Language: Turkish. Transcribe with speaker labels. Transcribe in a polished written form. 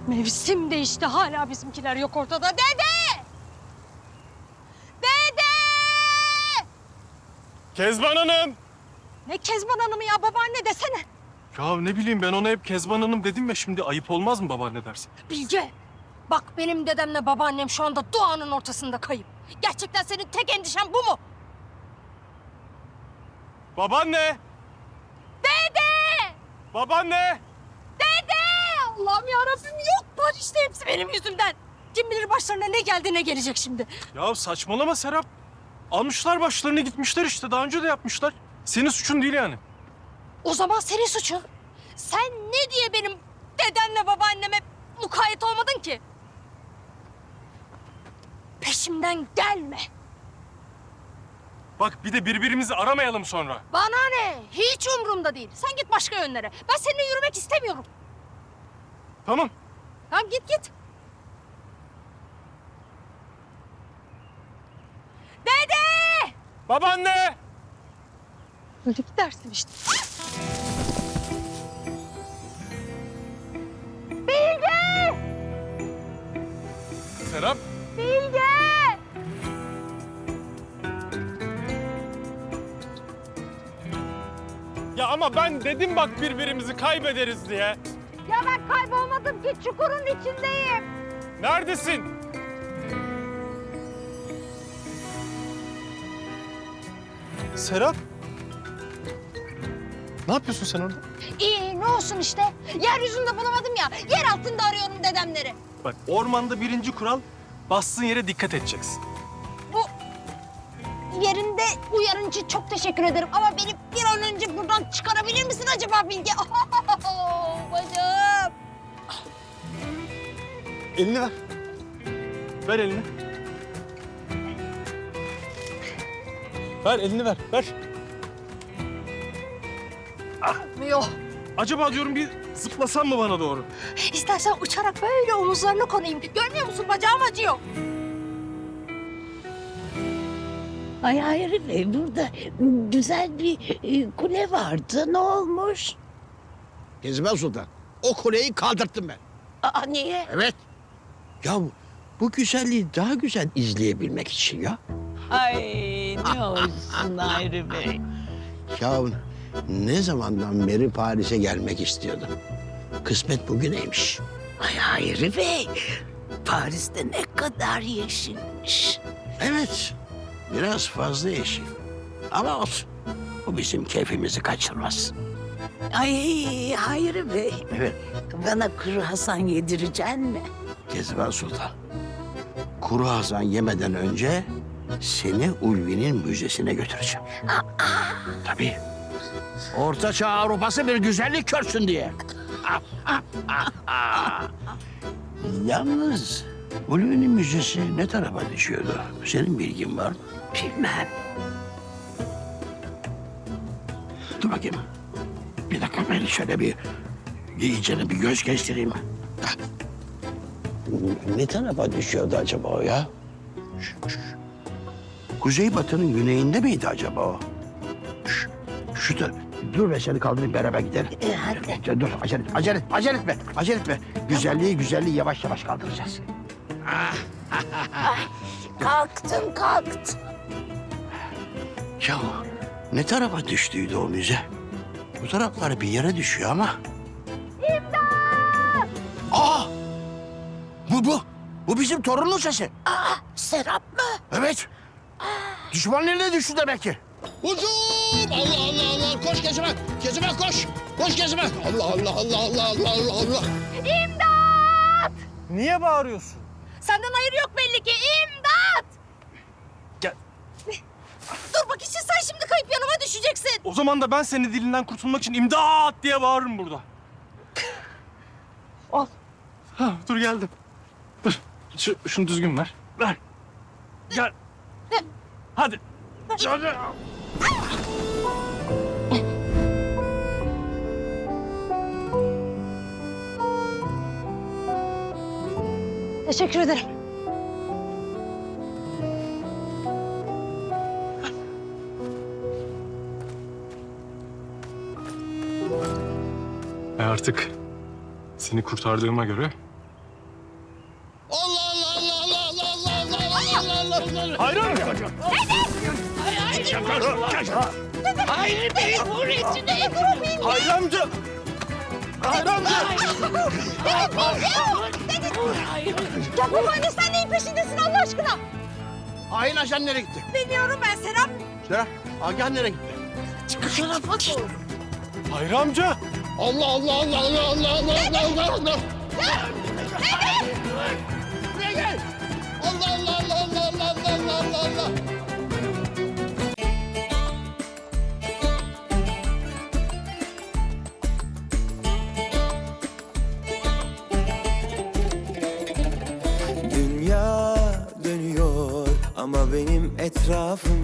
Speaker 1: Mevsim değişti, hala bizimkiler yok ortada. Dede! Dede!
Speaker 2: Kezban Hanım!
Speaker 1: Ne Kezban Hanım'ı ya, babaanne desene.
Speaker 2: Ya ne bileyim, ben ona hep Kezban Hanım dedim ya, şimdi ayıp olmaz mı babaanne dersin?
Speaker 1: Bilge, bak benim dedemle babaannem şu anda doğanın ortasında kayıp. Gerçekten senin tek endişen bu mu?
Speaker 2: Babaanne!
Speaker 1: Dede!
Speaker 2: Babaanne!
Speaker 1: Dede! Allah'ım yarabbim, yoklar işte, hepsi benim yüzümden. Kim bilir başlarına ne geldi ne gelecek şimdi.
Speaker 2: Ya saçmalama Serap. Almışlar başlarını gitmişler işte, daha önce de yapmışlar. Senin suçun değil yani.
Speaker 1: O zaman senin suçun. Sen ne diye benim dedemle babaanneme mukayyet olmadın ki? Peşimden gelme.
Speaker 2: Bak bir de birbirimizi aramayalım sonra.
Speaker 1: Bana ne? Hiç umurumda değil. Sen git başka yönlere. Ben seninle yürümek istemiyorum.
Speaker 2: Tamam.
Speaker 1: Tamam, git. Dede!
Speaker 2: Babaanne!
Speaker 1: Öyle gidersin işte. Bilge!
Speaker 2: Serap!
Speaker 1: Bilge!
Speaker 2: Ya ama ben dedim bak birbirimizi kaybederiz diye.
Speaker 1: Ya ben kaybolmadım ki, çukurun içindeyim.
Speaker 2: Neredesin? Serap? Ne yapıyorsun sen orada?
Speaker 1: İyi, ne olsun işte. Yeryüzünde bulamadım ya. Yer altında arıyorum dedemleri.
Speaker 2: Bak ormanda birinci kural, bastığın yere dikkat edeceksin.
Speaker 1: Bu yerinde uyarın için çok teşekkür ederim. Ama beni bir an önce buradan çıkarabilir misin acaba Bilge? Bacım.
Speaker 2: Elini ver. Ver elini. Ver elini ver, ver.
Speaker 1: Yok.
Speaker 2: Acaba diyorum bir zıplasan mı bana doğru?
Speaker 1: İstersen uçarak böyle omuzlarına konayım. Görmüyor musun? Bacağım acıyor.
Speaker 3: Ay hayır Bey, burada güzel bir kule vardı. Ne olmuş?
Speaker 4: Kezban Sultan, o kuleyi kaldırttım ben.
Speaker 3: Aa niye?
Speaker 4: Evet. Ya bu güzelliği daha güzel izleyebilmek için ya.
Speaker 3: Ay ne olsun Hayri Bey.
Speaker 4: Ya ne zamandan beri Paris'e gelmek istiyordum. Kısmet bugüneymiş.
Speaker 3: Ay Hayri Bey, Paris'te ne kadar yeşilmiş.
Speaker 4: Evet, biraz fazla yeşil. Ama olsun, bu bizim keyfimizi kaçırmaz.
Speaker 3: Ay Hayri Bey,
Speaker 4: Evet,
Speaker 3: bana kuru Hasan yedireceksin mi?
Speaker 4: Kezban Sultan. Kuru Hasan yemeden önce seni Ulvi'nin müzesine götüreceğim. Tabii. Orta Çağ Avrupası bir güzellik görsün diye. Yalnız Ulvi'nin müzesi ne tarafa düşüyordu? Senin bilgin var mı?
Speaker 3: Bilmem.
Speaker 4: Dur bakayım. Bir dakika, ben şöyle bir iyicene bir göz gezdireyim. Hah. Ne tarafa düşüyordu acaba o ya? Kuzeybatı'nın güneyinde miydi acaba o? Şu taraf. Dur be, seni kaldırayım, beraber gidelim.
Speaker 3: Hadi.
Speaker 4: Dur, acele etme. Güzelliği yavaş yavaş kaldıracağız.
Speaker 3: Kalktım.
Speaker 4: Ya ne tarafa düştüydü o müze? Bu taraflara bir yere düşüyor ama. İmdat! Aa! Bu bizim torunun sesi.
Speaker 3: Aa Serap mı?
Speaker 4: Evet. Düşmanın eline düştü demek ki. Hücum! Allah! Koş Kezban! Kezban koş! Koş Kezban! Allah!
Speaker 2: Niye bağırıyorsun?
Speaker 1: Senden hayır yok belli ki. İmdat!
Speaker 2: Gel.
Speaker 1: Dur bak işte, sen şimdi kayıp yanıma düşeceksin.
Speaker 2: O zaman da ben senin dilinden kurtulmak için imdat diye bağırırım burada.
Speaker 1: Al.
Speaker 2: Ha, dur geldim. Dur. Şunu düzgün ver. Ver. Gel. Hadi. Hadi.
Speaker 1: Teşekkür ederim.
Speaker 2: Artık seni kurtardığıma göre
Speaker 3: Hayri Bey'in uğraşını
Speaker 2: Hayri amca! Hayri amca!
Speaker 1: Ya babaanne sen neyin peşindesin Allah aşkına?
Speaker 4: Hain ajan nereye gitti?
Speaker 1: Bilmiyorum ben Serap.
Speaker 4: Serap, Agah nereye gitti?
Speaker 3: bu tarafa doğru.
Speaker 2: Hayri amca!
Speaker 4: Allah Allah Allah Allah Allah Allah Allah Allah Allah! Buraya gel! Allah Allah Allah Allah Allah Allah Allah Allah!
Speaker 5: Dünya dönüyor ama benim etrafım